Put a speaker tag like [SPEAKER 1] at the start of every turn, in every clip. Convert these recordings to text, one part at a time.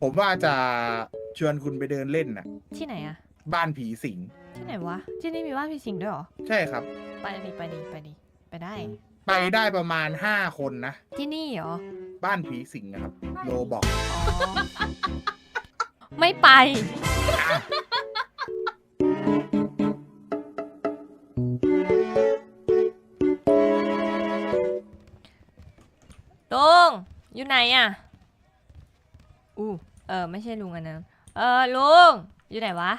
[SPEAKER 1] ผมว่าจะชวนคุณไปเดินเล่นน่ะ
[SPEAKER 2] ที่ไหนอะ
[SPEAKER 1] บ้านผีสิง
[SPEAKER 2] ที่ไหนวะ ที่นี่มีบ้านผีสิงด้วยเหรอ
[SPEAKER 1] ใช่ครับ
[SPEAKER 2] ไปดิไปดิไปดิไปได้
[SPEAKER 1] ไปได้ประมาณ5 คนนะ
[SPEAKER 2] ที่นี่เหรอ
[SPEAKER 1] บ้านผีสิงนะครับ โลบอก
[SPEAKER 2] อ๋อ ไม่ไป ลุง อยู่ไหนอะไม่ใช่ลุงอันนั้นลุง อยู่ไหนวะ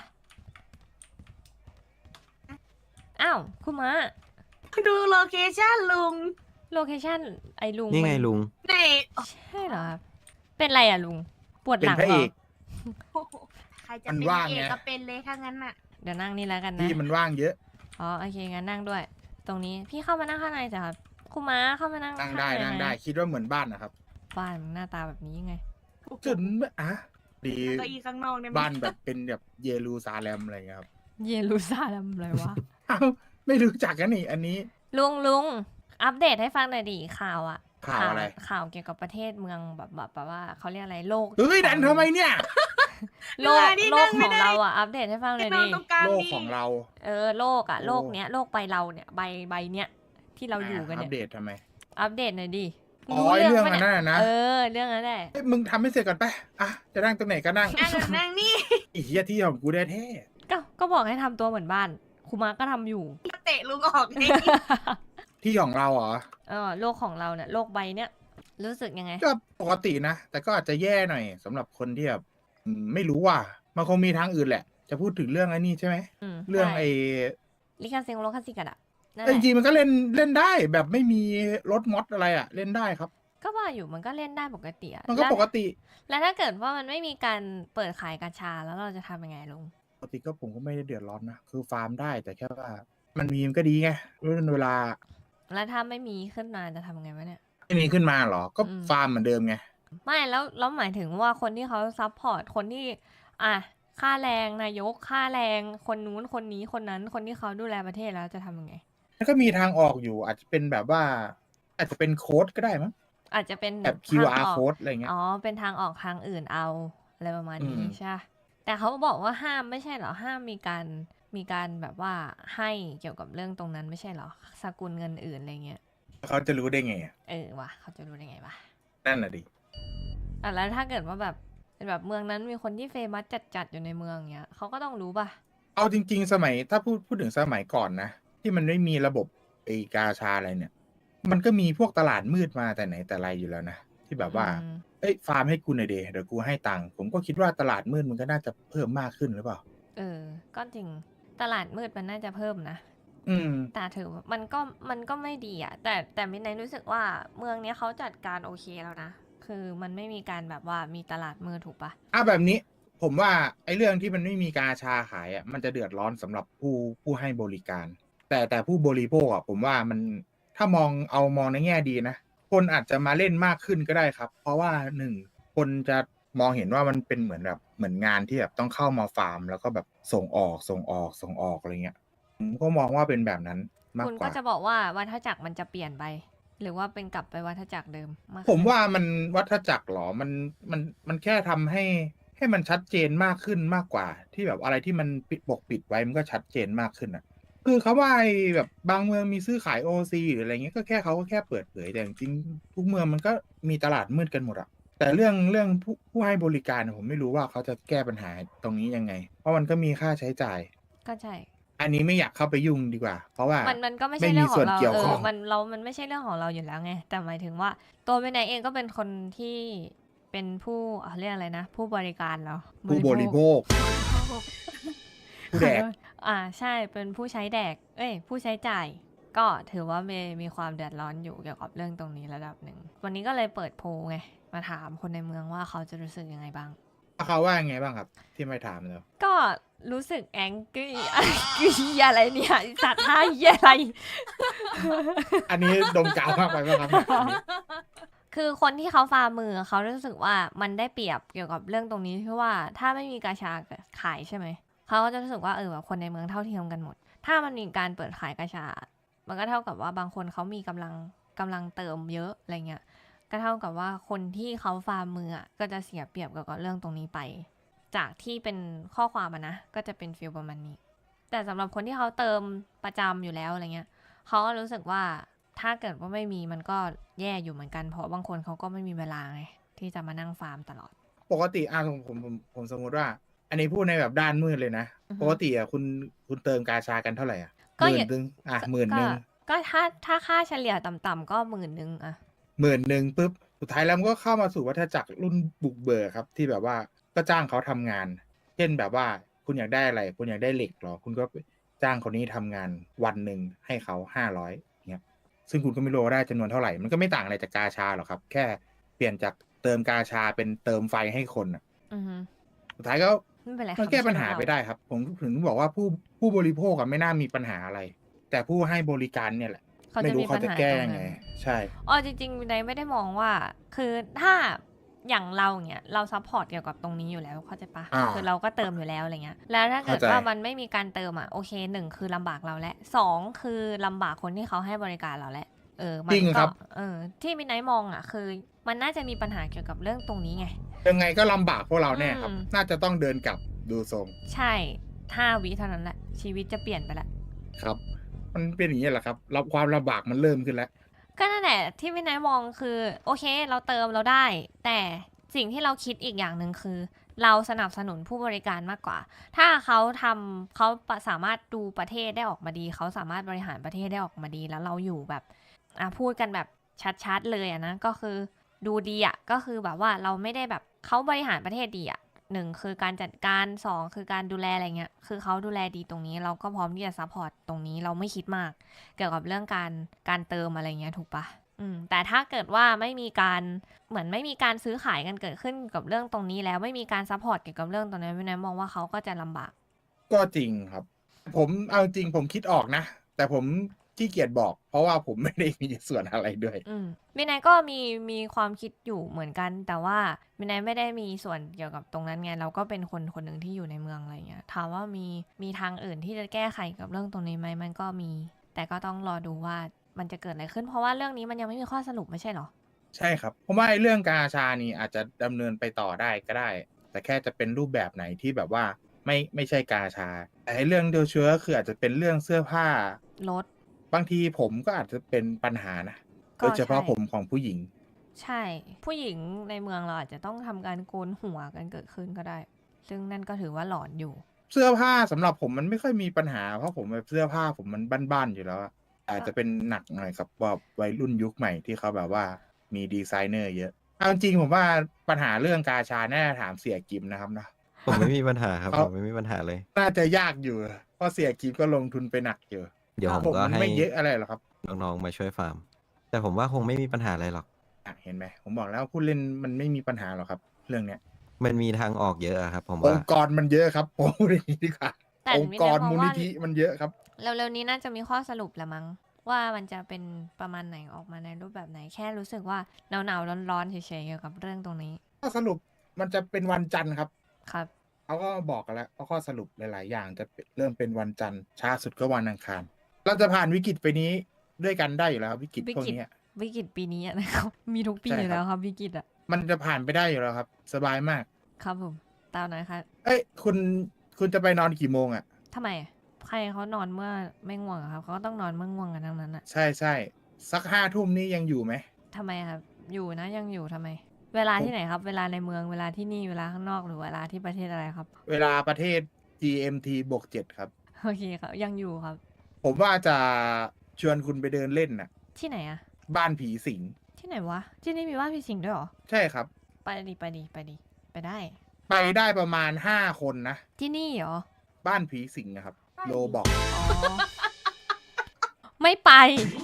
[SPEAKER 2] อ้าว คุณมา
[SPEAKER 3] ดูโลเคชั่นลุง
[SPEAKER 2] โลเคชั่นไอ้ลุง
[SPEAKER 4] นี่ไง
[SPEAKER 2] มั
[SPEAKER 4] ลุง
[SPEAKER 3] ใน
[SPEAKER 2] ใช่เหรอครับ เป็นไรอะลุง ปวด
[SPEAKER 1] เป็
[SPEAKER 2] ห
[SPEAKER 1] น
[SPEAKER 2] ลัง
[SPEAKER 1] พระ
[SPEAKER 2] เหร
[SPEAKER 1] เอ
[SPEAKER 2] อ
[SPEAKER 1] ก
[SPEAKER 3] ใครจะ
[SPEAKER 1] มัน
[SPEAKER 3] เป็น
[SPEAKER 1] ว่าง
[SPEAKER 3] เอ
[SPEAKER 1] ไง
[SPEAKER 3] กก็เป็นเลยถ้างั้นน่ะ
[SPEAKER 2] เดี๋ยวนั่งนี่แล้วกันนะ
[SPEAKER 1] ที่มันว่างเยอะ
[SPEAKER 2] อ๋อโอเคงั้นนั่งด้วย ตรงนี้พี่เข้ามานั่งข้างในจ้ะครับคุณม้าเข้ามานั่ง
[SPEAKER 1] นั่ง
[SPEAKER 2] ข้าง
[SPEAKER 1] ได้
[SPEAKER 2] ใน
[SPEAKER 1] นั่ง
[SPEAKER 2] หม
[SPEAKER 1] ได้ คิดว่าเหมือนบ้านนะครับ
[SPEAKER 2] บ้านมันหน้าตาแบบนี้ยังไง
[SPEAKER 1] จนอ่ะดี
[SPEAKER 3] เก็อีข้างนอกได้ไหม
[SPEAKER 1] บ้านแบบเป็นแบบเยรูซาเล็มอะไรเงี้ยครับ
[SPEAKER 2] เยรูซาเล็มเลยวะ
[SPEAKER 1] เอ้าไม่รู้จักกันนี่ อันนี้
[SPEAKER 2] ลุงอัปเดตให้ฟังหน่อยดิข่าวอะ
[SPEAKER 1] ข่าวอะไร
[SPEAKER 2] ข่าวเกี่ยวกับประเทศเมืองแบบว่าเขาเรียกอะไรโลก
[SPEAKER 1] เฮ้ยดันทำไมเนี่ย
[SPEAKER 2] โลกของเราอะอัปเดตให้ฟังหน่อย
[SPEAKER 3] นอ
[SPEAKER 2] ดิ
[SPEAKER 3] นตรงกลาง
[SPEAKER 1] โลก
[SPEAKER 3] ดิ
[SPEAKER 1] ของเรา
[SPEAKER 2] โลกอะ
[SPEAKER 1] โอ้
[SPEAKER 2] โลกเนี้ยโลกใบเราเนี่ยใบเนี้ยที่เราอยู่กัน
[SPEAKER 1] อั
[SPEAKER 2] เนี่
[SPEAKER 1] ป
[SPEAKER 2] ย
[SPEAKER 1] เดตทำไม
[SPEAKER 2] อัปเดตหน่อยดิ
[SPEAKER 1] อ๋อไอ้เรื่อง
[SPEAKER 2] ปะ
[SPEAKER 1] อันนั้นน่ะนะ
[SPEAKER 2] เรื่องนั้นแหละ
[SPEAKER 1] เอ้ยมึงทำให้เสร็จก่อนไปอ่ะ จะนั่งตรงไหนก็นั่ง
[SPEAKER 3] นั่งนี่
[SPEAKER 1] ไอีเหี้ยที่ของกูได้แท้
[SPEAKER 2] ก็บอกให้ทำตัวเหมือนบ้านครูมาก็ทำอยู่
[SPEAKER 3] เตะลุงออกไง
[SPEAKER 1] ที่ของเราเหรอ
[SPEAKER 2] โลกของเราเนี่ยโลกใบเนี้ยรู้สึกยังไง
[SPEAKER 1] ก็ปกตินะ แต่ก็อาจจะแย่หน่อยสำหรับคนที่แบบไม่รู้ว่า มันคงมีทางอื่นแหละ จะพูดถึงเรื่องไอ้นี่ใช่ไหม เรื่อง
[SPEAKER 2] ใช่
[SPEAKER 1] ไอ้
[SPEAKER 2] ลิขสิทธิ์โลคสิกันอะนั่นแห
[SPEAKER 1] แต่จ
[SPEAKER 2] ละ
[SPEAKER 1] ริงๆมันก็เล่นได้แบบไม่มีรถมอดอะไรอะเล่นได้ครับ
[SPEAKER 2] ก็ว่าอยู่มันก็เล่นได้ปกติอะ
[SPEAKER 1] มันก็
[SPEAKER 2] แล้ว
[SPEAKER 1] ปกติ
[SPEAKER 2] แล้วถ้าเกิดว่ามันไม่มีการเปิดขายกาชาแล้วเราจะทำยังไงลุง
[SPEAKER 1] ปกติก็ผมก็ไม่ได้เดือดร้อนนะ คือฟาร์มได้แต่แค่ว่า มันมีมันก็ดีไงเวลา
[SPEAKER 2] แล้วถ้าไม่มีขึ้นมาจะทำยังไงวะเนี่ย
[SPEAKER 1] ไม่มีขึ้นมาหรอ ก็
[SPEAKER 2] อืม
[SPEAKER 1] ฟาร์มเหมือนเดิมไง
[SPEAKER 2] ไม่แล้วหมายถึงว่าคนที่เขาซัพพอร์ตคนที่ค่าแรงนายกค่าแรงคนนู้นคนนี้คนนั้นคนที่เขาดูแลประเทศแล้วจะทำยังไง
[SPEAKER 1] มันก็มีทางออกอยู่ อาจจะเป็นแบบว่า อาจจะเป็นโค้ดก็ได้มั้ง
[SPEAKER 2] อาจจะเป็น
[SPEAKER 1] แบบ
[SPEAKER 2] ทางอ
[SPEAKER 1] QR
[SPEAKER 2] อก
[SPEAKER 1] โค้ดอะไรเงี้ย
[SPEAKER 2] อ๋อ เป็นทางออกทางอื่นเอาอะไรประมาณนี้
[SPEAKER 1] อืม
[SPEAKER 2] ใช่ปะแต่เขาบอกว่าห้ามไม่ใช่เหรอ ห้ามมีการแบบว่าให้เกี่ยวกับเรื่องตรงนั้นไม่ใช่เหรอ สกุลเงินอื่นอะไรเงี้ย
[SPEAKER 1] เขาจะรู้ได้ไงอะ
[SPEAKER 2] ว่ะเขาจะรู้ได้ไงวะ
[SPEAKER 1] นั่นน่ะดิ
[SPEAKER 2] แล้วถ้าเกิดว่าแบบเป็นแบบเมืองนั้นมีคนที่เฟมัสจัดๆอยู่ในเมืองเงี้ยเขาก็ต้องรู้ป่ะ
[SPEAKER 1] เอาจริง ๆ สมัยถ้าพูดถึงสมัยก่อนนะ ที่มันไม่มีระบบไอกาชาอะไรเนี่ย มันก็มีพวกตลาดมืดมาแต่ไหนแต่ไรอยู่แล้วนะ ที่แบบว่า
[SPEAKER 2] อืม
[SPEAKER 1] เอ้ยฟาร์มให้กูหน่อยเดี๋ยวกูให้ตังค์ผมก็คิดว่าตลาดมืดมันก็น่าจะเพิ่มมากขึ้นหรือเปล่า
[SPEAKER 2] ก็จริงตลาดมืดมันน่าจะเพิ่มนะ
[SPEAKER 1] อืม
[SPEAKER 2] แต่ถือว่ามันก็ไม่ดีอะแต่มินไนรู้สึกว่าเมืองเนี้ยเขาจัดการโอเคแล้วนะ คือมันไม่มีการแบบว่ามีตลาดมืดถูกปะ
[SPEAKER 1] แบบนี้ผมว่าไอ้เรื่องที่มันไม่มีกาชาขายอ่ะมันจะเดือดร้อนสำหรับผู้ให้บริการ แต่ผู้บริโภคอ่ะผมว่ามันถ้ามองในแง่ดีนะ คนอาจจะมาเล่นมากขึ้นก็ได้ครับ เพราะว่าหนึ่งคนจะมองเห็นว่ามันเป็นเหมือนงานที่แบบต้องเข้ามาฟาร์ม แล้วก็แบบส่งออกอะไรเงี้ยผมก็มองว่าเป็นแบบนั้นมาก
[SPEAKER 2] คุณ
[SPEAKER 1] ก
[SPEAKER 2] ก็
[SPEAKER 1] ว่า
[SPEAKER 2] จะบอกว่าวัฏจักรมันจะเปลี่ยนไป หรือว่าเป็นกลับไปวัฏจักรเดิมมากขึ้น
[SPEAKER 1] ผมว่ามันวัฏจักรหรอมันแค่ทำให้มันชัดเจนมากขึ้นมากกว่า ที่แบบอะไรที่มันปิดไว้มันก็ชัดเจนมากขึ้นอ่ะ คือเขาว่าไอ้แบบบางเมืองมีซื้อขายโอซีหรืออะไรเงี้ยก็แค่เขาก็แค่เปิดเผยแต่จริงๆทุกเมืองมันก็มีตลาดมืดกันหมดอะแต่เรื่องผู้ให้บริการผมไม่รู้ว่าเขาจะแก้ปัญหาตรงนี้ยังไง เพราะมันก็มีค่าใช้จ่าย
[SPEAKER 2] ก็ใช่
[SPEAKER 1] อันนี้ไม่อยากเข้าไปยุ่งดีกว่า เพราะว่า
[SPEAKER 2] มันก็ไม่
[SPEAKER 1] ไม่
[SPEAKER 2] ใช่
[SPEAKER 1] มี
[SPEAKER 2] เรื่องข
[SPEAKER 1] ส่
[SPEAKER 2] อ
[SPEAKER 1] วน
[SPEAKER 2] งเรา
[SPEAKER 1] เกี่ยวข้อง
[SPEAKER 2] มันไม่ใช่เรื่องของเราอยู่แล้วไงแต่หมายถึงว่าตัวมินไนเองก็เป็นคนที่เป็นผู้เรียกอะไรนะ ผู้บริการเหรอ
[SPEAKER 1] ผู้บริโภคผู้แดก
[SPEAKER 2] ใช่เป็นผู้ใช้แดก ผู้ใช้จ่าย ก็ถือว่ามีความเดือดร้อนอยู่เกี่ยวกับเรื่องตรงนี้ระดับหนึ่งวันนี้ก็เลยเปิดโพลไงมาถามคนในเมืองว่าเขาจะรู้สึกยังไงบ้าง
[SPEAKER 1] เขาว่าไงบ้างครับ ที่ไม่ถามเลย
[SPEAKER 2] ก็รู้สึกแองกี้อะไรเนี่ยไอ้สัตว์ท่าเหี้ยอะไร
[SPEAKER 1] อันนี้ดมกาวมากไปไหมครับเนี่ยอันนี้
[SPEAKER 2] คือคนที่เขาฟาร์มมือเขารู้สึกว่ามันได้เปรียบเกี่ยวกับเรื่องตรงนี้ที่ว่าถ้าไม่มีกาชาขายใช่ไหมเขาก็จะรู้สึกว่าแบบคนในเมืองเท่าเทียมกันหมด ถ้ามันมีการเปิดขายกาชา มันก็เท่ากับว่าบางคนเขามีกำลังเติมเยอะอะไรเงี้ยก็เท่ากับว่าคนที่เขาฟาร์มมืออะก็จะเสียเปรียบเกี่ยวกับเรื่องตรงนี้ไป จากที่เป็นข้อความอะนะก็จะเป็นฟีลประมาณนี้ แต่สำหรับคนที่เขาเติมประจำอยู่แล้วอะไรเงี้ยเขาก็รู้สึกว่าถ้าเกิดว่าไม่มีมันก็แย่อยู่เหมือนกันเพราะบางคนเขาก็ไม่มีเวลาไงที่จะมานั่งฟาร์มตลอด
[SPEAKER 1] ปกติผมสมมุติว่า อันนี้พูดในแบบด้านมืดเลยนะ
[SPEAKER 2] อือฮึ
[SPEAKER 1] ปกติอ่ะคุณเติมกาชากันเท่าไหร่อ่ะ
[SPEAKER 2] ก็
[SPEAKER 1] ห
[SPEAKER 2] อ
[SPEAKER 1] มื่
[SPEAKER 2] ย่าน
[SPEAKER 1] นึงหมื่นหนึ่ง
[SPEAKER 2] ก็ถ้าค่าเฉลี่ยต่ำๆก็10,000อะ
[SPEAKER 1] 10,000ปุ๊บสุดท้ายแล้วมันก็เข้ามาสู่วัฏจักรรุ่นบุกเบิกครับ ที่แบบว่าก็จ้างเขาทำงาน เช่นแบบว่าคุณอยากได้อะไร คุณอยากได้เหล็กเหรอ คุณก็จ้างคนนี้ทำงานวันหนึ่งให้เขา500เงี้ยซึ่งคุณก็ไม่รู้ว่าได้จำนวนเท่าไหร่ มันก็ไม่ต่างอะไรจากกาชาหรอกครับ แค่เปลี่ยนจากเติมกาชาเป็นเติมไฟให้คนอะ
[SPEAKER 2] อือฮึ
[SPEAKER 1] สุดท้ายก็
[SPEAKER 2] ไม่เป็นไร
[SPEAKER 1] มันแก้ปัญหา
[SPEAKER 2] คำ
[SPEAKER 1] ไป
[SPEAKER 2] เชื่อเรา
[SPEAKER 1] ได้ครับ ผมถึงบอกว่าผู้บริโภคอะไม่น่ามีปัญหาอะไร แต่ผู้ให้บริการเนี่ยแหละ
[SPEAKER 2] เขา
[SPEAKER 1] ไม่
[SPEAKER 2] จะ
[SPEAKER 1] รู้
[SPEAKER 2] มี
[SPEAKER 1] เขา
[SPEAKER 2] ปัญ
[SPEAKER 1] จะ
[SPEAKER 2] หา
[SPEAKER 1] แก้
[SPEAKER 2] ตรง
[SPEAKER 1] ยัง
[SPEAKER 2] นั้
[SPEAKER 1] ไง
[SPEAKER 2] น
[SPEAKER 1] ใช่
[SPEAKER 2] อ๋อจริงๆวินัยไม่ได้มองว่า คือถ้าอย่างเราเนี่ยเราซัพพอร์ตเกี่ยวกับตรงนี้อยู่แล้วเข้าใจปะ
[SPEAKER 1] อ่า
[SPEAKER 2] คือเราก็เติมอยู่แล้วอะไรเงี้ยแล้วถ้าเกิด
[SPEAKER 1] เข้าใจ
[SPEAKER 2] ว่ามันไม่มีการเติมอ่ะโอเค1คือลำบากเราและ2คือลำบากคนที่เขาให้บริการเราและมั
[SPEAKER 1] จริง
[SPEAKER 2] ก็
[SPEAKER 1] ครับ
[SPEAKER 2] ที่วินัยมองอ่ะคือมันน่าจะมีปัญหาเกี่ยวกับเรื่องตรงนี้ไง
[SPEAKER 1] ยังไงก็ลำบากพวกเราแน่ครับ
[SPEAKER 2] อืม
[SPEAKER 1] น่าจะต้องเดินกลับดูทรง
[SPEAKER 2] ใช่5 วิเท่านั้นแหละชีวิตจะเปลี่ยนไปละ
[SPEAKER 1] ครับ มันเป็นอย่างนี้แหละครับความลำบากมันเริ่มขึ้นแล้ว
[SPEAKER 2] ก็นั่นแหละที่วินัยมองคือโอเคเราเติมเราได้ แต่สิ่งที่เราคิดอีกอย่างหนึ่งคือ เราสนับสนุนผู้บริการมากกว่า ถ้าเขาสามารถดูประเทศได้ออกมาดี เขาสามารถบริหารประเทศได้ออกมาดี แล้วเราอยู่แบบพูดกันแบบชัดๆเลยอะนะก็คือดูดีอะก็คือแบบว่าเราไม่ได้แบบเขาบริหารประเทศดีอะ1คือการจัดการ2คือการดูแลอะไรเงี้ยคือเขาดูแลดีตรงนี้ เราก็พร้อมที่จะซัพพอร์ตตรงนี้เราไม่คิดมาก เกี่ยวกับเรื่องการเติมอะไรเงี้ยถูกปะแต่ถ้าเกิดว่าไม่มีการเหมือนไม่มีการซื้อขายกันเกิดขึ้นกับเรื่องตรงนี้แล้วไม่มีการซัพพอร์ตเกี่ยวกับเรื่องตรงนี้วินัยมองว่าเขาก็จะลำบาก
[SPEAKER 1] ก็จริงครับ ผมเอาจริงผมคิดออกนะ แต่ผมขี้เกียจบอก เพราะว่าผมไม่ได้มีส่วนอะไรด้วย
[SPEAKER 2] วินัยก็มีความคิดอยู่เหมือนกัน แต่ว่าวินัยไม่ได้มีส่วนเกี่ยวกับตรงนั้นไงเราก็เป็นคนหนึ่งที่อยู่ในเมืองอะไรเงี้ยถามว่ามีทางอื่นที่จะแก้ไขกับเรื่องตรงนี้ไหมมันก็มี แต่ก็ต้องรอดูว่ามันจะเกิดอะไรขึ้นเพราะว่าเรื่องนี้มันยังไม่มีข้อสรุปไม่ใช่หรอ
[SPEAKER 1] ใช่ครับผมว่าไอ้เรื่องกาชานี่อาจจะดำเนินไปต่อได้ก็ได้ แต่แค่จะเป็นรูปแบบไหนที่แบบว่าไม่ใช่กาชา แต่ไอ้เรื่องเดียวเชื้อคืออาจจะเป็นเรื่องเสื้อผ้าร
[SPEAKER 2] ถ
[SPEAKER 1] บางทีผมก็อาจจะเป็นปัญหานะ
[SPEAKER 2] ก็
[SPEAKER 1] โดยเฉพาะ
[SPEAKER 2] ใช่
[SPEAKER 1] ผมของผู้หญิง
[SPEAKER 2] ใช่ ผู้หญิงในเมืองเราอาจจะต้องทำการโกนหัวกันเกิดขึ้นก็ได้ ซึ่งนั่นก็ถือว่าหลอนอยู่
[SPEAKER 1] เสื้อผ้าสำหรับผมมันไม่ค่อยมีปัญหาเพราะผมแบบเสื้อผ้าผมมันบ้านๆอยู่แล้วอะอาจจะเป็นหนักหน่อยกับแบบวัยรุ่นยุคใหม่ที่เขาแบบว่ามีดีไซเนอร์เยอะเอาจริงๆผมว่าปัญหาเรื่องกาชาน่าจะถามเสียกิมนะครับเนาะ
[SPEAKER 4] ผมไม่มีปัญหาครับ
[SPEAKER 1] เขา
[SPEAKER 4] ผมไม่มีปัญหาเลย
[SPEAKER 1] น่าจะยากอยู่เพราะเสียกิมก็ลงทุนไปหนักอยู่
[SPEAKER 4] เดี๋ยวผม
[SPEAKER 1] ผม
[SPEAKER 4] ก็
[SPEAKER 1] มัน
[SPEAKER 4] ให้
[SPEAKER 1] ไม่เยอะอะไรหรอกครับ
[SPEAKER 4] น้องๆมาช่วยฟาร์ม แต่ผมว่าคงไม่มีปัญหาอะไรหรอก
[SPEAKER 1] เห็นไหมผมบอกแล้วผู้เล่นมันไม่มีปัญหาหรอกครับ เรื่องเนี้ย
[SPEAKER 4] มันมีทางออกเยอะอะครับ ผม
[SPEAKER 1] อ
[SPEAKER 4] ว่า
[SPEAKER 1] งค์กรมันเยอะครับผมพูดอย่างนี้ดีกว่า
[SPEAKER 2] แต่
[SPEAKER 1] องค์กร
[SPEAKER 2] ไม่ได้มอง
[SPEAKER 1] มูล
[SPEAKER 2] ว่า
[SPEAKER 1] นิธิมันเยอะครับ
[SPEAKER 2] เร็วๆนี้น่าจะมีข้อสรุปละมั้งว่ามันจะเป็นประมาณไหนออกมาในรูปแบบไหนแค่รู้สึกว่าหนาวๆร้อนๆเฉยๆเกี่ยวกับเรื่องตรงนี้
[SPEAKER 1] ข้อสรุปมันจะเป็นวันจันทร์ครับ
[SPEAKER 2] ครับ
[SPEAKER 1] เขาก็บอกกันแล้วว่าข้อสรุปหลาย ๆ อย่างจะเริ่มเป็นวันจันทร์ช้าสุดก็วันอังคาร เราจะผ่านวิกฤตไปนี้ด้วยกันได้อยู่แล้วครับวิกฤตพวกเนี้ย
[SPEAKER 2] วิกฤตปีนี้อะนะครับ มีทุกปี
[SPEAKER 1] ใช่
[SPEAKER 2] อยู่
[SPEAKER 1] ครับ
[SPEAKER 2] แล้วครับวิกฤตอะ
[SPEAKER 1] มันจะผ่านไปได้อยู่แล้วครับ สบายมาก
[SPEAKER 2] ครับผมตามนั้นครับ
[SPEAKER 1] เอ้ยคุณจะไปนอนกี่โมงอ่ะ
[SPEAKER 2] ทำไมอะใครเขานอนเมื่อไม่ง่วงอะครับเขาก็ต้องนอนเมื่อง่วงกันทั้งนั้นอะ
[SPEAKER 1] ใช่สัก5 ทุ่มนี่ยังอยู่ไหม
[SPEAKER 2] ทำไมครับ อยู่นะยังอยู่ทำไม เวลาที่ไหนครับ เวลาในเมืองเวลาที่นี่เวลาข้างนอกหรือเวลาที่ประเทศอะไรครับ
[SPEAKER 1] เวลาประเทศ GMT+7 ครับ
[SPEAKER 2] โอเคครับ ยังอยู่ครับ
[SPEAKER 1] ผมว่าจะชวนคุณไปเดินเล่นน่ะ
[SPEAKER 2] ที่ไหนอะ
[SPEAKER 1] บ้านผีสิง
[SPEAKER 2] ที่ไหนวะ ที่นี่มีบ้านพี่สิงห์ด้วยเหรอ
[SPEAKER 1] ใช่ครับ
[SPEAKER 2] ไปดิไปดิไปดิไปได้
[SPEAKER 1] ไปได้ประมาณ5 คนนะ
[SPEAKER 2] ที่นี่เหรอ
[SPEAKER 1] บ้านผีสิงนะครับ โลบอก
[SPEAKER 2] อ๋อ ไม่ไป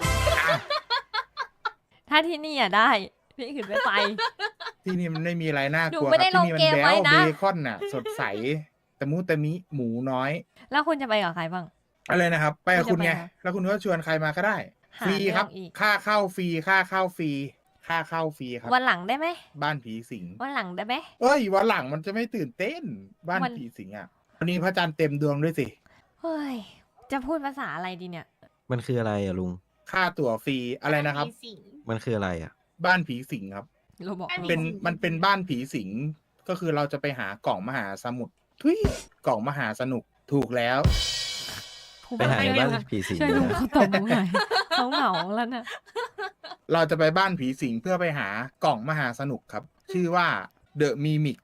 [SPEAKER 2] ถ้าที่นี่อะได้ พี่ขึ้นไม่ไป
[SPEAKER 1] ที่นี่มันไม่มีอะไรน่ากลัว
[SPEAKER 2] หนูไม่ได้
[SPEAKER 1] ครับที่นี่
[SPEAKER 2] ลงเกม
[SPEAKER 1] แบ๊
[SPEAKER 2] ไว้
[SPEAKER 1] ว
[SPEAKER 2] นะ
[SPEAKER 1] เบคอนน่ะ สดใสตะมุตะมิหมูน้อย
[SPEAKER 2] แล้วคุณจะไปกับใครบ้าง
[SPEAKER 1] อะไรนะครับ ไปกับคุณไง
[SPEAKER 2] คุณจะไปเหรอ
[SPEAKER 1] แล้วคุณก็ชวนใครมาก็ได้
[SPEAKER 2] หา
[SPEAKER 1] ฟรีครับ
[SPEAKER 2] เรื่องอีก
[SPEAKER 1] ค่าเข้าฟรีค่าเข้าฟรีค่าเข้าฟรีครับ
[SPEAKER 2] วันหลังได้ไหม
[SPEAKER 1] บ้านผีสิง
[SPEAKER 2] วันหลังได้ไหม
[SPEAKER 1] เอ้ยวันหลังมันจะไม่ตื่นเต้น บ้าน
[SPEAKER 2] วัน
[SPEAKER 1] ผีสิงอ่ะวันนี้พระจันทร์เต็มดวงด้วยสิ
[SPEAKER 2] เฮ้ย จะพูดภาษาอะไรดีเนี่ย
[SPEAKER 4] มันคืออะไรอะลุง
[SPEAKER 1] ค่าตั๋วฟรีอะไรนะครับ
[SPEAKER 3] มีสิง
[SPEAKER 4] มันคืออะไรอะ
[SPEAKER 1] บ้านผีสิงครับ
[SPEAKER 2] เราบอก
[SPEAKER 1] เป็นมันเป็นบ้านผีสิงก็คือเราจะไปหากล่องมหาสมุทรทุยกล่องมหาสนุกถูกแล้ว
[SPEAKER 2] ผู้
[SPEAKER 4] ไปหาในบ้านผีสิง
[SPEAKER 2] ช่วย
[SPEAKER 4] เล
[SPEAKER 2] ลุ
[SPEAKER 4] ย
[SPEAKER 2] ง
[SPEAKER 4] นะ
[SPEAKER 2] เขาตบมือหน่อยเขาเหงาแล้วน่ะ
[SPEAKER 1] เราจะไปบ้านผีสิงเพื่อไปหากล่องมหาสนุกครับ ชื่อว่าเดอะมีมิก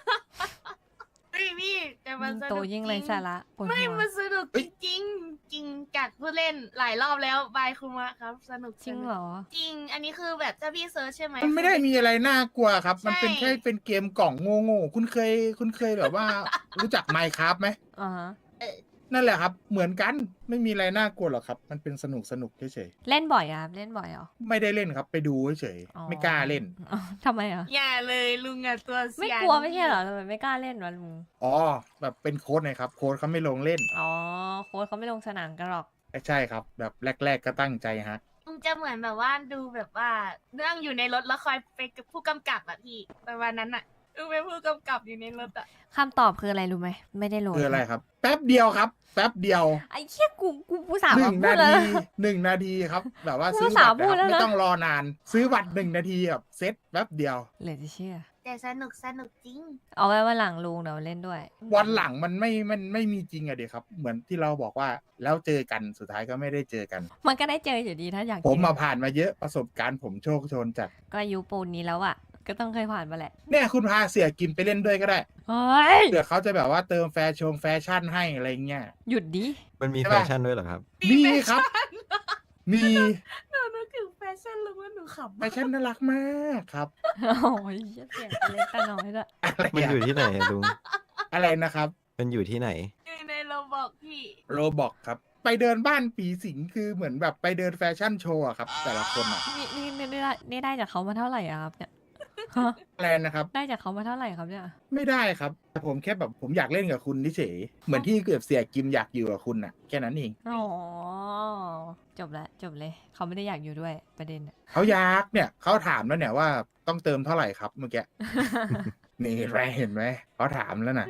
[SPEAKER 3] พี่แต่มันสนุก
[SPEAKER 2] โตยิ่งไรสาระปวด
[SPEAKER 3] ไม่
[SPEAKER 2] หัว
[SPEAKER 3] มันสนุก
[SPEAKER 1] เอ้
[SPEAKER 3] จ
[SPEAKER 1] ย
[SPEAKER 3] ริงๆจริงจากผู้เล่นหลายรอบแล้วบายคุมะครับ สนุก
[SPEAKER 2] จริง
[SPEAKER 3] สนุก
[SPEAKER 2] เหรอ
[SPEAKER 3] จริง อันนี้คือแบบถ้าพี่เซิร์ชใช่ไหม
[SPEAKER 1] มันไม่ได้มีอะไรน่ากลัวครับ มันเป็น
[SPEAKER 3] ใช่
[SPEAKER 1] แค่เป็นเกมกล่องโง่ๆคุณเคยแบบว่า รู้จัก Minecraft ไหม
[SPEAKER 2] อ่าฮะ
[SPEAKER 1] นั่นแหละครับ เหมือนกันไม่มีอะไรน่ากลัวหรอกครับ มันเป็นสนุกเฉย
[SPEAKER 2] เล่นบ่อยอ่ะครับเล่นบ่อยเหรอ
[SPEAKER 1] ๆไม่ได้เล่นครับ ไปดูเฉย
[SPEAKER 2] อ๋อ
[SPEAKER 1] ๆไม่กล้าเล่น
[SPEAKER 2] อ๋อทำไมอ่ะ
[SPEAKER 3] อย่าเลยลุงอะตัวเสีย
[SPEAKER 2] ไม่กลัวไม่ใช่เหรอทำไมไม่กล้าเล่นวะลุง
[SPEAKER 1] อ๋อแบบเป็นโค้ดไงครับ โค้ดเขาไม่ลงเล่น
[SPEAKER 2] อ๋อโค้ชเขาไม่ลงสนามกันหรอก
[SPEAKER 1] ใช่ครับ แบบแรก ๆ ก็ตั้งใจฮะ
[SPEAKER 3] ลุงจะเหมือนแบบว่าดูแบบว่านั่งอยู่ในรถแล้วคอยไปกับผู้กำกับอะพี่ประมาณนั้นอะลุงเป็นผู้กำกับอยู่ในรถอะ
[SPEAKER 2] คำตอบคืออะไรรู้ไหมไม่ได้โหลด
[SPEAKER 1] คืออะไรครับ แป๊บเดียวครับ แป๊บเดียว
[SPEAKER 2] ไอ้เชี่ยกูผู้สาว
[SPEAKER 1] ห
[SPEAKER 2] มา
[SPEAKER 1] นึ่ง
[SPEAKER 2] พู
[SPEAKER 1] นา
[SPEAKER 2] ดแล้ว
[SPEAKER 1] ที
[SPEAKER 2] นะ
[SPEAKER 1] 1 นาทีครับ แบบว่า
[SPEAKER 2] พูด
[SPEAKER 1] ซื้อ
[SPEAKER 2] ภาษา
[SPEAKER 1] บัตร
[SPEAKER 2] พูด
[SPEAKER 1] นะครับ
[SPEAKER 2] แล้วนะ
[SPEAKER 1] ไม่ต้องรอนาน ซื้อบัตร1 นาทีแบบเซ็ตแป๊บเดียว
[SPEAKER 2] เหลือจะเชื่อ
[SPEAKER 3] แต่สนุกจริง
[SPEAKER 2] เอาไว้วันหลังลุงเดี๋ยวเล่นด้วย
[SPEAKER 1] วันหลังมันไม่มีจริงอะเดีครับ เหมือนที่เราบอกว่าแล้วเจอกันสุดท้ายก็ไม่ได้เจอกัน
[SPEAKER 2] มันก็ได้เจออยู่ดีถ้าอยาก
[SPEAKER 1] ผม
[SPEAKER 2] เจอ
[SPEAKER 1] มาผ่านมาเยอะประสบการณ์ผมโชคโชนจัด
[SPEAKER 2] ก็อายุปูนนี้แล้วอ่ะ ก็ต้องเคยผ่านมาแหละ
[SPEAKER 1] เนี่ยคุณพาเสียกิมไปเล่นด้วยก็ได้
[SPEAKER 2] เฮ้ย
[SPEAKER 1] เผื่อเขาจะแบบว่าเติมแฟชั่นให้อะไรเงี้ย
[SPEAKER 2] หยุดดิ
[SPEAKER 4] มันมี
[SPEAKER 1] ใช่
[SPEAKER 4] แฟ
[SPEAKER 1] ปะ
[SPEAKER 4] ชั่นด้วยเหรอครับ
[SPEAKER 1] มีครับ มี
[SPEAKER 3] ๆหนูนึกถึงแฟชั่นลุงว่าหนูขำ
[SPEAKER 1] แฟชั่นน่ารักมากครับ
[SPEAKER 2] โอ้ยเสียงเล็กตาน้อยด้วย
[SPEAKER 1] อะไร
[SPEAKER 4] มันอยู่
[SPEAKER 1] อะ
[SPEAKER 4] ที่ไหนอะลุง
[SPEAKER 1] อะไรนะครับ
[SPEAKER 4] มันอยู่ที่ไหน
[SPEAKER 3] อยู่ในโรบอกพี่
[SPEAKER 1] โรบอกครับ ไปเดินบ้านผีสิงคือเหมือนแบบไปเดินแฟชั่นโชว์อะครับ แต่ละคนอะ
[SPEAKER 2] นี่ได้จากเขามาเท่าไหร่อะครับเนี่ยฮะ
[SPEAKER 1] อะไรนะครับ
[SPEAKER 2] ได้จากเขามาเท่าไหร่ครับเนี่ย
[SPEAKER 1] ไม่ได้ครับแต่ผมแค่แบบผมอยากเล่นกับคุณเฉยๆเหมือนที่เกือบเสียกิมอยากอยู่กับคุณอะแค่นั้นเอง
[SPEAKER 2] อ๋อจบแล้วจบเลย เขาไม่ได้อยากอยู่ด้วยประเด็นอะ
[SPEAKER 1] เขาอยากเนี่ยเขาถามแล้วเนี่ยว่าต้องเติมเท่าไหร่ครับเมื่อกี้ นี่แรเห็นไหมเขาถามแล้วน่ะ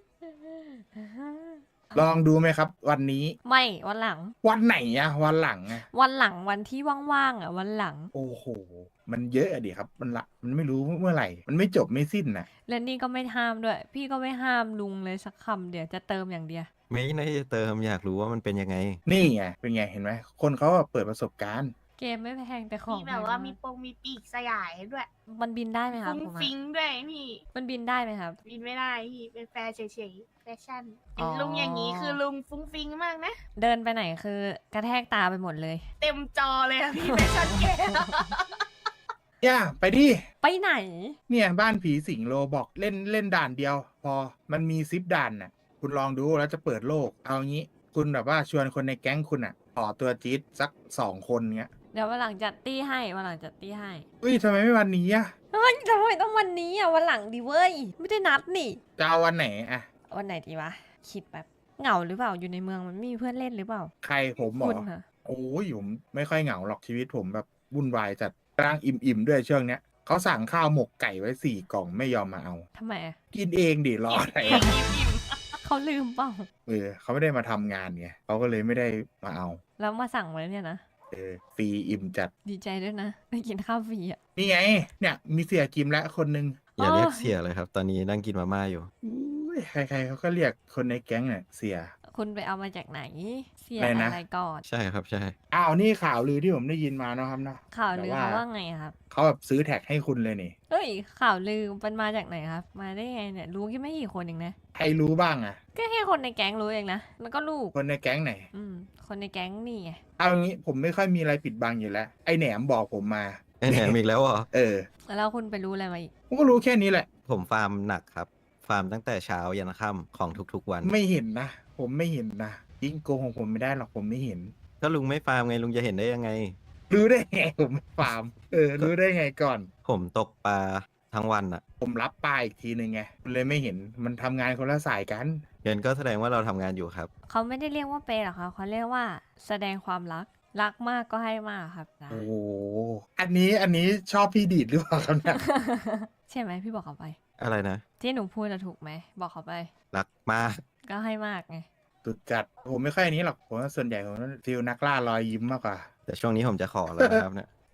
[SPEAKER 1] ลองดูไหมครับ วันนี้
[SPEAKER 2] ไม่วันหลัง
[SPEAKER 1] วันไหนอะวันหลังอะ
[SPEAKER 2] วันหลังวันที่ว่างๆอ่ะวันหลัง
[SPEAKER 1] โอ้โห มันเยอะอะดิครับ มันไม่รู้เมื่อไหร่ มันไม่จบไม่สิ้นน่ะ
[SPEAKER 2] และนี่ก็ไม่ห้ามด้วย พี่ก็ไม่ห้ามลุงเลยสักคำเดี๋ยวจะเติมอย่างเดียว
[SPEAKER 4] ไม่ได้จะเติมอยากรู้ว่ามันเป็นยังไง
[SPEAKER 1] นี่ไงเป็นไงเห็นไหมคนเขาอะเปิดประสบการณ์
[SPEAKER 2] เกมไม่แพงแต่ของ
[SPEAKER 3] มีแบบว่า
[SPEAKER 2] พง
[SPEAKER 3] มีปงมีปีกสยายด้วย
[SPEAKER 2] มันบินได้ไหมครับ
[SPEAKER 3] ฟุ้ง
[SPEAKER 2] ผมอะ
[SPEAKER 3] ฟิงด้วยพี่
[SPEAKER 2] มันบินได้ไหมครับ
[SPEAKER 3] บินไม่ได้พี่เป็นแฟร์เฉยๆแฟชั่น
[SPEAKER 2] อ๋อ
[SPEAKER 3] ลุงอย่างนี้คือลุงฟุ้งฟิงมากนะ
[SPEAKER 2] เดินไปไหนคือกระแทกตาไปหมดเลย
[SPEAKER 3] เต็มจอเลยอะพี่แฟชั่นแก
[SPEAKER 1] ย่าไปดิ
[SPEAKER 2] ไปไหน
[SPEAKER 1] เนี่ยบ้านผีสิงโลบอกเล่นด่านเดียว พอมันมี10 ด่านน่ะ คุณลองดูแล้วจะเปิดโลก เอางี้ คุณแบบว่าชวนคนในแก๊งคุณอ่ะขอตัวจี๊ดสัก2 คนเงี้ย
[SPEAKER 2] เดี๋ยววันหลังจัดตี้ให้วันหลังจัดตี้ให้
[SPEAKER 1] อุ้ยทำไมไม่วันนี้อะ
[SPEAKER 2] เฮ้ยทำไมต้องวันนี้อ่ะวันหลังดิเว้ย ไม่ได้นัดนี่
[SPEAKER 1] จะเอาวันไหนอะ
[SPEAKER 2] วันไหนดีวะ คิดแบบเหงาหรือเปล่าอยู่ในเมืองมันไม่มีเพื่อนเล่นหรือเปล่า
[SPEAKER 1] ใครผมบอ
[SPEAKER 2] คุ
[SPEAKER 1] ก
[SPEAKER 2] ณค่ะ
[SPEAKER 1] โอ้ยผมไม่ค่อยเหงาหรอกชีวิตผมแบบวุ่นวายจัดกลางอิ่มๆด้วยช่วงเนี้ยเขาสั่งข้าวหมกไก่ไว้4 กล่องไม่ยอมมาเอา
[SPEAKER 2] ทำไมอะ
[SPEAKER 1] กินเองดิรออะไร
[SPEAKER 3] เองอิ่ม
[SPEAKER 2] เขาลืมเปล่า
[SPEAKER 1] เขาไม่ได้มาทำงานไงเขาก็เลยไม่ได้มาเอา
[SPEAKER 2] แล้วมาสั่งไว้เนี่ยนะ
[SPEAKER 1] ฟรีอิ่มจัด
[SPEAKER 2] ดีใจด้วยนะ ได้กินข้าวฟรีอ่ะ
[SPEAKER 1] นี่ไง เนี่ยมีเสียกิมและคนหนึ่ง
[SPEAKER 4] อย่า
[SPEAKER 2] อ๋อ
[SPEAKER 4] เรียกเสียเลยครับ ตอนนี้นั่งกินมาม่าอยู่
[SPEAKER 1] อุ้ยใครๆเขาก็เรียกคนในแก๊งเนี่ยเสีย
[SPEAKER 2] คุณไปเอามาจากไหน เสีย
[SPEAKER 1] อะไรนะ
[SPEAKER 2] อะไรก่อน
[SPEAKER 4] ใช่ครับใช่
[SPEAKER 1] อ้าวนี่ข่าวลือที่ผมได้ยินมาเนาะครับเนาะ
[SPEAKER 2] ข่าวลือ
[SPEAKER 1] แต่
[SPEAKER 2] เขาว่าไงอะครับ
[SPEAKER 1] เขาแบบซื้อแท็กให้คุณเลยนี่
[SPEAKER 2] เฮ้ย ข่าวลือมันมาจากไหนครับ มาได้ไงเนี่ย รู้แค่ไม่กี่คนเองนะ
[SPEAKER 1] ใครรู้บ้างอะ
[SPEAKER 2] ก็แค่คนในแก๊งรู้เองนะ แล้วก็ลูก
[SPEAKER 1] คนในแก๊งไหน
[SPEAKER 2] คนในแก๊งนี่ไง
[SPEAKER 1] เอางี้ผมไม่ค่อยมีอะไรปิดบังอยู่แล้ว ไอแหนมบอกผมมา
[SPEAKER 4] ไอ้แหนมอีกแล้วเหรอ
[SPEAKER 2] แล้วคุณไปรู้อะไรมาอีก
[SPEAKER 1] ผมก็รู้แค่นี้แหละ
[SPEAKER 4] ผมฟาร์มหนักครับ ฟาร์มตั้งแต่เช้ายันค่ำของทุกๆวัน
[SPEAKER 1] ไม่เห็นนะ ผมไม่เห็นนะยิ่งโกหกผมไม่ได้หรอกผมไม่เห็น
[SPEAKER 4] ถ้าลุงไม่ฟาร์มไงลุงจะเห็นได้ยังไง
[SPEAKER 1] รู้ได้ไงผมไม่ฟาร์ม รู้ได้ไงก่อน
[SPEAKER 4] ผมตกปลาทั้งวันอะ
[SPEAKER 1] ผมรับปลาอีกทีหนึ่งไงเลยไม่เห็นมันทำงานคนละสายกัน
[SPEAKER 4] เงินก็แสดงว่าเราทำงานอยู่ครับ
[SPEAKER 2] เขาไม่ได้เรียกว่าเปย์หรอกครับเขาเรียกว่าแสดงความรัก รักมากก็ให้มากครับนะ
[SPEAKER 1] โอ้โหอันนี้ชอบพี่ดีดหรือเปล่าครับเนี่ย
[SPEAKER 2] ใช่ไหมพี่บอกเขาไป
[SPEAKER 4] อะไรนะ
[SPEAKER 2] ที่หนูพูดจะถูกไหม บอกเขาไป
[SPEAKER 4] รักมาก
[SPEAKER 2] ก็ให้มากไง
[SPEAKER 1] ตุดจัดผมไม่ค่อยอันนี้หรอกผมว่าส่วนใหญ่ผมฟีลนักล่ารอยยิ้มมากกว่า
[SPEAKER 4] แต่ช่วงนี้ผมจะขอแล้วนะครับเนี่ย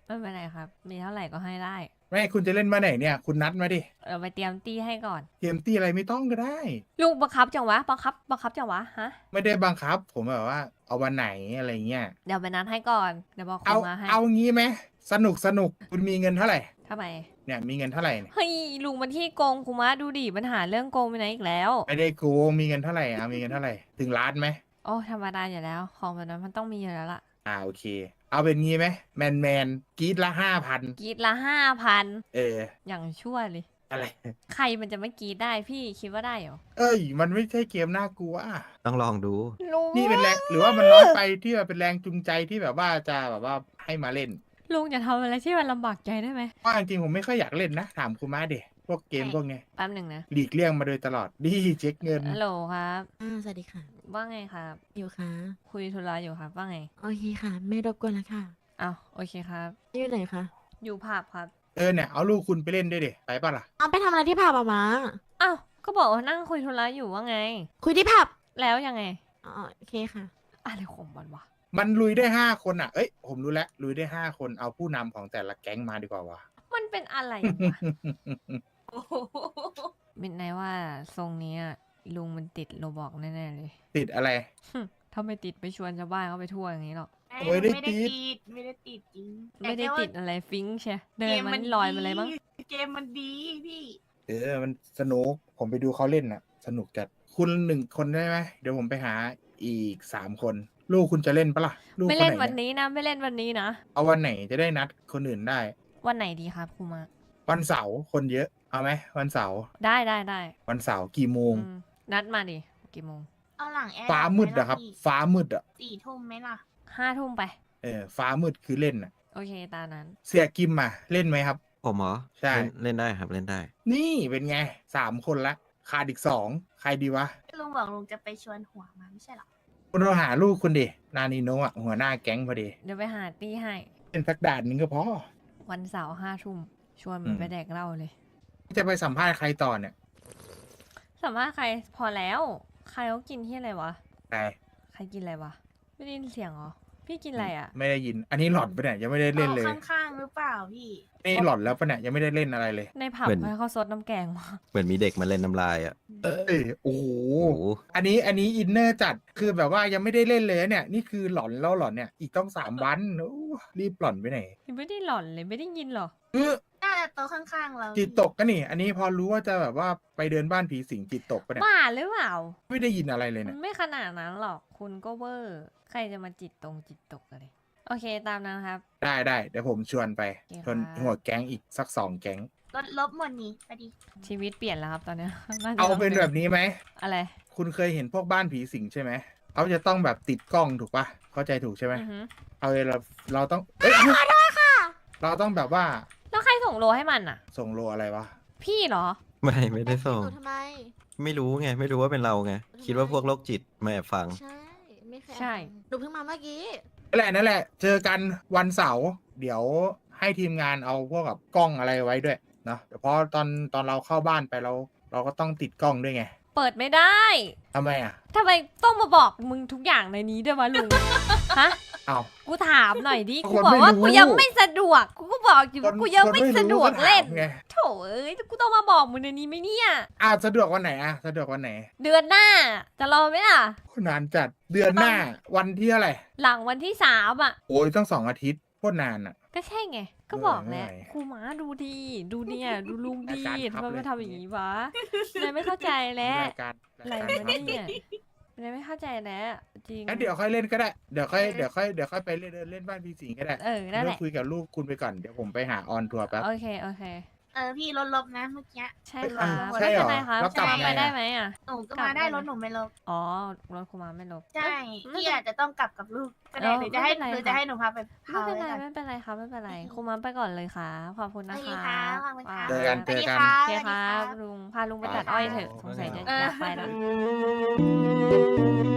[SPEAKER 2] ไม่เป็นไรครับ มีเท่าไหร่ก็ให้ได้
[SPEAKER 1] ไม่คุณจะเล่นมาไหนเนี่ย คุณนัดมาดิ
[SPEAKER 2] ไปเตรียมตี้ให้ก่อน
[SPEAKER 1] เกมตี้อะไรไม่ต้องก็ได้
[SPEAKER 2] ลุงบังคับจังวะบังคับจังวะฮะ
[SPEAKER 1] ไม่ได้บังคับ ผมแบบว่า เอาวันไหนอะไรเงี้ย
[SPEAKER 2] เดี๋ยวไปนัดให้ก่อนเดี๋ยวบอกคุ
[SPEAKER 1] เอา
[SPEAKER 2] ณมาให้
[SPEAKER 1] เอางี้ไหมสนุกคุณมีเงินเท่าไหร่
[SPEAKER 2] ทำไม
[SPEAKER 1] เนี่ยมีเงินเท่าไหร่เนี่ย
[SPEAKER 2] เฮ้ยลุงมันที่โกงคุมะดูดิปัญหาเรื่องโกงไปไหนอีกแล้ว
[SPEAKER 1] ไม่ได้โกงมีเงินเท่าไหร่มีเงินเท่าไหร่ถึงล้านไหม
[SPEAKER 2] โอ้ธรรมดาอยู่แล้ว ของแบบนั้นมันต้องมีอยู่แล้วล่ะ
[SPEAKER 1] โอเค เอาเป็นงี้ไหมแมนกรีดละ5,000
[SPEAKER 2] กรีดละ 5,000 อย่างชั่วเลย
[SPEAKER 1] อะไร
[SPEAKER 2] ใครมันจะไม่กรีดได้พี่คิดว่าได้เหรอ
[SPEAKER 1] เอ้ย มันไม่ใช่เกมน่ากลัว
[SPEAKER 4] ต้องลองดู
[SPEAKER 2] ลุง
[SPEAKER 1] นี่เป็นแรงหรือว่ามันน้อยไปที่แบบเป็นแรงจูงใจที่แบบว่าจะแบบว่าให้มาเล่น
[SPEAKER 2] ลุงอย่าทำอะไรที่มันลำบากใจได้ไหม
[SPEAKER 1] ว่าจริงๆผมไม่ค่อยอยากเล่นนะ ถามคุณมาเดะพวกเกมพวกเนี้ย
[SPEAKER 2] แป๊บหนึ่งนะ
[SPEAKER 1] หลีกเลี่ยงมาโดยตลอดดีเช็คเงิน
[SPEAKER 2] ฮัลโหลครับ
[SPEAKER 5] สวัสดีค่ะ
[SPEAKER 2] ว่าไงครับ
[SPEAKER 5] อยู่ค่ะ
[SPEAKER 2] คุยธุระอยู่ครับ ว่าไง
[SPEAKER 5] โอเคค่ะ ไม่รบกวนแล้วค่ะ
[SPEAKER 2] อ้าวโอเคครับ
[SPEAKER 5] อยู่ไหนคะ
[SPEAKER 2] อยู่ผับครับ
[SPEAKER 1] เนี่ยเอาลูกคุณไปเล่นด้วยเดะไปป่ะล่ะ
[SPEAKER 5] เอาไปทำอะไรที่ผับอะมา
[SPEAKER 2] อ้าวก็บอกว่านั่งคุยธุระอยู่ว่าไง
[SPEAKER 5] คุยที่ผับ
[SPEAKER 2] แล้วยังไง
[SPEAKER 5] อ๋อโอเคค่ะ
[SPEAKER 2] อะไรของมันวะ
[SPEAKER 1] มันลุยได้5 คนเอ้ยผมรู้แล้วลุยได้5 คนเอาผู้นำของแต่ละแก๊งมาดีกว่าวะ
[SPEAKER 2] มันเป็นอะไรวะ
[SPEAKER 3] โอ้โห
[SPEAKER 2] มินไนว่าทรงนี้อะลุงมันติดโรบอกแน่ๆเลย
[SPEAKER 1] ติดอะไร
[SPEAKER 2] ถ้าไม่ติดไปชวนชาวบ้านเขาไปทั่วอย่างนี้หรอก
[SPEAKER 1] ไม่ได้ติด
[SPEAKER 3] ไม่ได้ติดจริง
[SPEAKER 2] ไม่ได้
[SPEAKER 3] แต่แค่ว่า
[SPEAKER 2] ติดอะไรฟิงค์ใช่เดิ
[SPEAKER 3] เก
[SPEAKER 2] น
[SPEAKER 3] ม
[SPEAKER 2] มั
[SPEAKER 3] มัน
[SPEAKER 2] นลอยมาเลยมั้ง
[SPEAKER 3] เกมมันดีพี่
[SPEAKER 1] มันสนุกผมไปดูเขาเล่นน่ะ สนุกจัดคุณ1 คนได้ไหมเดี๋ยวผมไปหาอีก3 คน ลูกคุณจะเล่นปะล่ะลูก
[SPEAKER 2] ไม่
[SPEAKER 1] ค
[SPEAKER 2] เล่น
[SPEAKER 1] ไห
[SPEAKER 2] วันนี้นะ ไม่เล่นวันนี้นะ
[SPEAKER 1] เอาวันไหนจะได้นัดคนอื่นได้
[SPEAKER 2] วันไหนดีครับครูมา
[SPEAKER 1] วันเสาร์คนเยอะเอาไหมวันเสาร์
[SPEAKER 2] ได้
[SPEAKER 1] วันเสาร์กี่โมง
[SPEAKER 2] นัดมาดิกี่โมง
[SPEAKER 3] เอาหลังแอร์
[SPEAKER 1] ฟ้ามืดอะครับ ฟ้ามืดอะ
[SPEAKER 3] 4 ทุ่มไหมล่ะ
[SPEAKER 2] 5 ทุ่มไป
[SPEAKER 1] ฟ้ามืดคือเล่นอะ
[SPEAKER 2] โอเคตามนั้น
[SPEAKER 1] เสียกิมอะเล่นไหมครับ
[SPEAKER 4] ผมเหรอ
[SPEAKER 1] ใช่
[SPEAKER 4] เล่นได้ครับเล่นได้
[SPEAKER 1] นี่เป็นไง3 คนละขาดอีก2ใครดีวะ
[SPEAKER 3] ลุงบอกลุงจะไปชวนหัวมาไม่ใช่เหรอ
[SPEAKER 1] คุณเราหาลูกคุณดินานิโนะอะหัวหน้าแก๊งพอดี
[SPEAKER 2] เดี๋ยวไปหาตี้ให้
[SPEAKER 1] เป็นสักด่านหนึงก็พอ
[SPEAKER 2] วันเสาร์5 ทุ่มชวนมันไปแดกเหล้าเลย
[SPEAKER 1] จะไปสัมภาษณ์ใครต่อเนี่ย
[SPEAKER 2] สามารถใครพอแล้ว ใครเขากินที่อะไรวะ
[SPEAKER 1] ใคร
[SPEAKER 2] ใครกินอะไรวะ ไม่ได้ยินเสียงเหรอ พี่กินอะไรอ่ะ
[SPEAKER 1] ไม่ได้ยิน อันนี้หลอดปะเนี่ยยังไม่ได้เล่นเลย
[SPEAKER 3] อาข้างๆหรือเปล่าพี่
[SPEAKER 1] นี่หลอดแล้วปะเนี่ยยังไม่ได้เล่นอะไรเลย
[SPEAKER 2] ในผับ
[SPEAKER 4] เหมือน
[SPEAKER 2] ให้เขาซดน้ำแกงมา
[SPEAKER 4] เหมือนมีเด็กมาเล่นน้ำลายอ่ะ
[SPEAKER 1] โอ้โห
[SPEAKER 4] โอ้โห
[SPEAKER 1] อันนี้อินเนอร์จัดคือแบบว่ายังไม่ได้เล่นเลยเนี่ย นี่คือหลอนแล้วหลอนเนี่ยอีกต้อง3 วันโอ้รีบหลอนไปไหน
[SPEAKER 2] ยังไม่ได้หล่อนเลยไม่ได้ยินหรอ
[SPEAKER 3] น่าจะโต๊ะข้างๆเรา
[SPEAKER 1] จิตตกก็นี่ อันนี้พอรู้ว่าจะแบบว่าไปเดินบ้านผีสิงจิตตกปะเนี่ย
[SPEAKER 2] บ้าหรือเปล่า
[SPEAKER 1] ไม่ได้ยินอะไรเลย
[SPEAKER 2] มั
[SPEAKER 1] เนี่ย
[SPEAKER 2] นไม่ขนาดนั้นหรอก คุณก็เวอร์ ใครจะมาจิตตกอะไร โอเคตามนั้นครับ
[SPEAKER 1] ได้เดี๋ยวผมชวนไป
[SPEAKER 2] โอเค
[SPEAKER 1] ชวน
[SPEAKER 2] ครับ
[SPEAKER 1] หัวแก๊งอีกสัก2 แก๊ง
[SPEAKER 3] ลดลบหมดนี้ไปดิ
[SPEAKER 2] ชีวิตเปลี่ยนแล้วครับตอนเนี้ย น่าจะ
[SPEAKER 1] เอาเป็นแบบนี้ไหม
[SPEAKER 2] อะไร
[SPEAKER 1] คุณเคยเห็นพวกบ้านผีสิงใช่ไหมเขาจะต้องแบบติดกล้องถูกปะเข้าใจถูกใช่ไหม
[SPEAKER 2] อือหือ
[SPEAKER 1] เอาเลยเราต้องเราต้องแบบว่า
[SPEAKER 2] แล้วใครส่งโลให้มันอ่ะ
[SPEAKER 1] ส่งโลอะไรวะ
[SPEAKER 2] พี่เหรอ
[SPEAKER 4] ไม่ได้ส่ง
[SPEAKER 5] หนูทำไม
[SPEAKER 4] ไม่รู้ไง ไม่รู้ว่าเป็นเราไง คิดว่าพวกโรคจิตมาแอบฟัง
[SPEAKER 5] ใช่ ไม่เคย
[SPEAKER 2] ใช่
[SPEAKER 5] หนูเพิ่งมาเมื่อกี้
[SPEAKER 1] นั่นแหละ เจอกันวันเสาร์เดี๋ยวให้ทีมงานเอาพวกกับกล้องอะไรไว้ด้วยเนาะเดี๋ยวเพราะตอนเราเข้าบ้านไปเราก็ต้องติดกล้องด้วยไง
[SPEAKER 2] เปิดไม่ได้
[SPEAKER 1] ทำไมอ่ะ
[SPEAKER 2] ทำไมต้องมาบอกมึงทุกอย่างในนี้ด้วยวะลุง ฮะ
[SPEAKER 1] เอา
[SPEAKER 2] กูถามหน่อยดิ
[SPEAKER 1] คน
[SPEAKER 2] กูบอกว่า
[SPEAKER 1] ไม่รู้
[SPEAKER 2] กูยังไม่สะดวก กูก็บอกอยู่ว่ากูยังไม่สะดวกเล่น
[SPEAKER 1] ไง
[SPEAKER 2] โถเอ้ย กูต้องมาบอกมึงในนี้ไหมเนี่ย
[SPEAKER 1] สะดวกวันไหนสะดวกวันไหน
[SPEAKER 2] เดือนหน้า จะรอไหมล่ะ
[SPEAKER 1] นานจัดเดือนหน้าวันที่เท่าไหร่
[SPEAKER 2] หลังวันที่3อ่ะ
[SPEAKER 1] โอ้ยต้อง2 อาทิตย์โคตรนานอ่ะ
[SPEAKER 2] ก็ใช่ไง ก็บอกแล้ว
[SPEAKER 1] เหนื่อย
[SPEAKER 2] ครูหมาดูดีดูเนี่ย ดูลุงดี
[SPEAKER 1] อาจารย์
[SPEAKER 2] ทำไม
[SPEAKER 1] ครับ
[SPEAKER 2] ไม่
[SPEAKER 1] เลย
[SPEAKER 2] ทำอย่างนี้วะนายไม่เข้าใจแล้ว
[SPEAKER 1] รายการ
[SPEAKER 2] อะไร
[SPEAKER 1] รายการ
[SPEAKER 2] วะเนี่ยนายไม่เข้าใจแล้วจริง
[SPEAKER 1] งั้นเดี๋ยวค่อยเล่นก็ได้เดี๋ยวค่อยไปเล่นบ้านพี่สิงห์ก็ได้
[SPEAKER 2] นั่นแห
[SPEAKER 1] เรื่
[SPEAKER 2] ละ
[SPEAKER 1] คุยกับลูกคุณไปก่อนเดี๋ยวผมไปหาออนทัวร์แป๊บ
[SPEAKER 2] โอเค
[SPEAKER 3] พี่ลดลบนะเมื่อกี้
[SPEAKER 2] ใช่
[SPEAKER 1] เอ้ย
[SPEAKER 2] ครับ
[SPEAKER 1] ใช่
[SPEAKER 2] ไม่
[SPEAKER 1] เหร
[SPEAKER 2] เป็
[SPEAKER 1] อน
[SPEAKER 2] ไรครับ
[SPEAKER 1] แล้วกลับ
[SPEAKER 2] จะมา
[SPEAKER 1] ไง
[SPEAKER 2] ไป
[SPEAKER 1] อะ
[SPEAKER 2] ได้ไหมอ่ะ
[SPEAKER 3] หนูก็
[SPEAKER 2] กลับ
[SPEAKER 3] มาได้
[SPEAKER 2] ได้ไหม
[SPEAKER 3] รถหนูไม่ลบ
[SPEAKER 2] อ๋อรถครูมาไม่ลบ
[SPEAKER 3] ใช่
[SPEAKER 2] ไม่
[SPEAKER 3] พี่อาจจะต้องกลับกับลูกก็ได้
[SPEAKER 2] เออ
[SPEAKER 3] หรือจะให้
[SPEAKER 2] ไม่เป็นไร
[SPEAKER 3] หรือจะให้หนูพาไป
[SPEAKER 2] ไม่
[SPEAKER 3] พา
[SPEAKER 2] เป็น
[SPEAKER 3] ไว้
[SPEAKER 2] ไร
[SPEAKER 3] ก่อน
[SPEAKER 2] ไม่เป็นไรครับไม่เป็นไรครูมาไปก่อนเลยค่ะขอบคุณนะ
[SPEAKER 3] โอเค
[SPEAKER 2] คะ
[SPEAKER 3] ค่ะขอบคุณค่ะ
[SPEAKER 1] เจอกัน
[SPEAKER 3] สวัสดี
[SPEAKER 1] เจอกัน
[SPEAKER 3] ค่ะ
[SPEAKER 2] โอเค
[SPEAKER 3] สวัส
[SPEAKER 2] ค
[SPEAKER 3] ดี
[SPEAKER 2] รับ
[SPEAKER 3] ค่ะ
[SPEAKER 2] ลุงพาลุงไปตัดอ้อยเถอะสงสัยจะอยากไปแล้ว
[SPEAKER 3] เออ